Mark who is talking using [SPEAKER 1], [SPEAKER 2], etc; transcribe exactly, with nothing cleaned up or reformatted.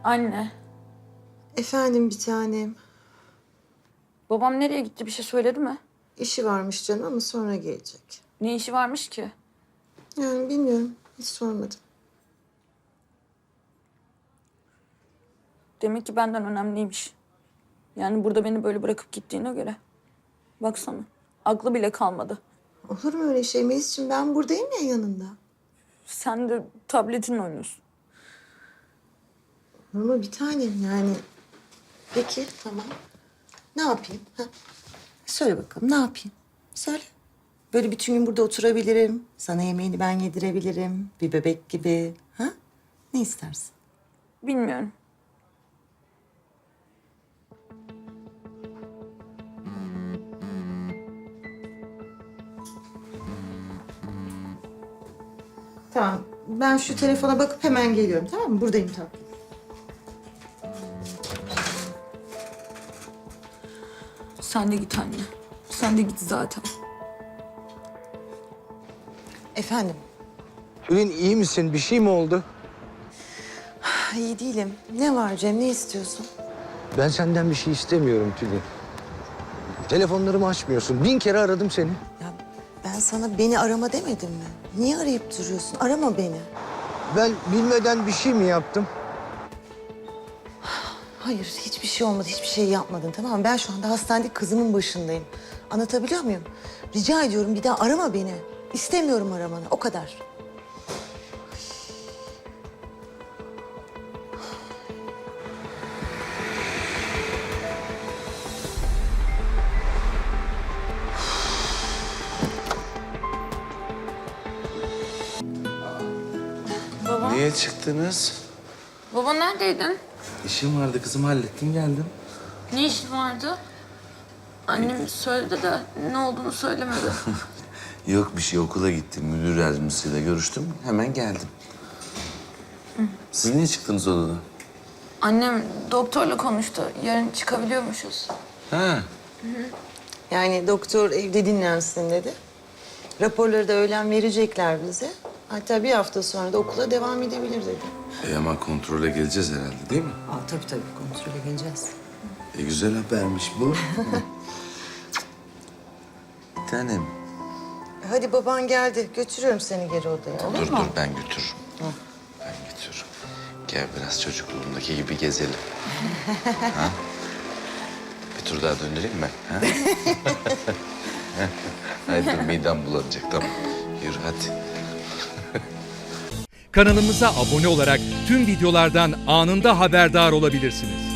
[SPEAKER 1] Anne,
[SPEAKER 2] Efendim bir tanem.
[SPEAKER 1] babam nereye gitti, bir şey söyledi mi?
[SPEAKER 2] İşi varmış canım ama sonra gelecek.
[SPEAKER 1] Ne işi varmış ki?
[SPEAKER 2] Yani bilmiyorum. Hiç sormadım.
[SPEAKER 1] Demek ki benden önemliymiş. Yani burada beni böyle bırakıp gittiğine göre. Baksana, aklı bile kalmadı.
[SPEAKER 2] Olur mu öyle şey Melis'ciğim? Ben buradayım ya yanında.
[SPEAKER 1] Sen de tabletinle oynuyorsun.
[SPEAKER 2] Olur mu bir tanem yani? Peki tamam. Ne yapayım? Ha? Söyle bakalım ne yapayım? Söyle. Böyle bütün gün burada oturabilirim. Sana yemeğini ben yedirebilirim. Bir bebek gibi. Ha? Ne istersin?
[SPEAKER 1] Bilmiyorum.
[SPEAKER 2] Tamam. Ben şu telefona bakıp hemen geliyorum tamam mı? Buradayım tatlım.
[SPEAKER 1] Sen de git anne. Sen de git zaten.
[SPEAKER 2] Efendim?
[SPEAKER 3] Tülin iyi misin? Bir şey mi oldu?
[SPEAKER 2] İyi değilim. Ne var Cem? Ne istiyorsun?
[SPEAKER 3] Ben senden bir şey istemiyorum Tülin. Telefonlarımı açmıyorsun. Bin kere aradım seni.
[SPEAKER 2] Ya ben sana beni arama demedim mi? Niye arayıp duruyorsun? Arama beni.
[SPEAKER 3] Ben bilmeden bir şey mi yaptım?
[SPEAKER 2] Hayır, hiçbir şey olmadı. Hiçbir şey yapmadın tamam mı? Ben şu anda hastanede kızımın başındayım. Anlatabiliyor muyum? Rica ediyorum bir daha arama beni. İstemiyorum aramanı. O kadar.
[SPEAKER 1] Baba,
[SPEAKER 4] Niye çıktınız?
[SPEAKER 1] baba neredeydin?
[SPEAKER 4] İşim vardı kızım, hallettim geldim.
[SPEAKER 1] Ne işin vardı? Annem söyledi de ne olduğunu söylemedi.
[SPEAKER 4] Yok bir şey, okula gittim. Müdür yardımcısıyla görüştüm. Hemen geldim. Siz niye çıktınız odadan?
[SPEAKER 1] Annem doktorla konuştu. Yarın çıkabiliyormuşuz.
[SPEAKER 4] Ha,
[SPEAKER 2] Yani doktor evde dinlensin dedi. Raporları da öğlen verecekler bize. Hatta bir hafta sonra da okula devam edebilir dedi.
[SPEAKER 4] e ama kontrole geleceğiz herhalde değil mi?
[SPEAKER 2] Aa, tabii tabii kontrole geleceğiz.
[SPEAKER 4] E güzel habermiş bu. Bir tanem.
[SPEAKER 2] Hadi baban geldi. Götürüyorum seni geri odaya. Olur
[SPEAKER 4] Dur
[SPEAKER 2] mu?
[SPEAKER 4] dur ben götürürüm. Ben götürürüm. Gel biraz çocukluğumdaki gibi gezelim. Ha? Bir tur daha döndüreyim mi? Ha? Haydi dur midem bulanacak tamam. Yürü hadi.
[SPEAKER 5] Kanalımıza abone olarak tüm videolardan anında haberdar olabilirsiniz.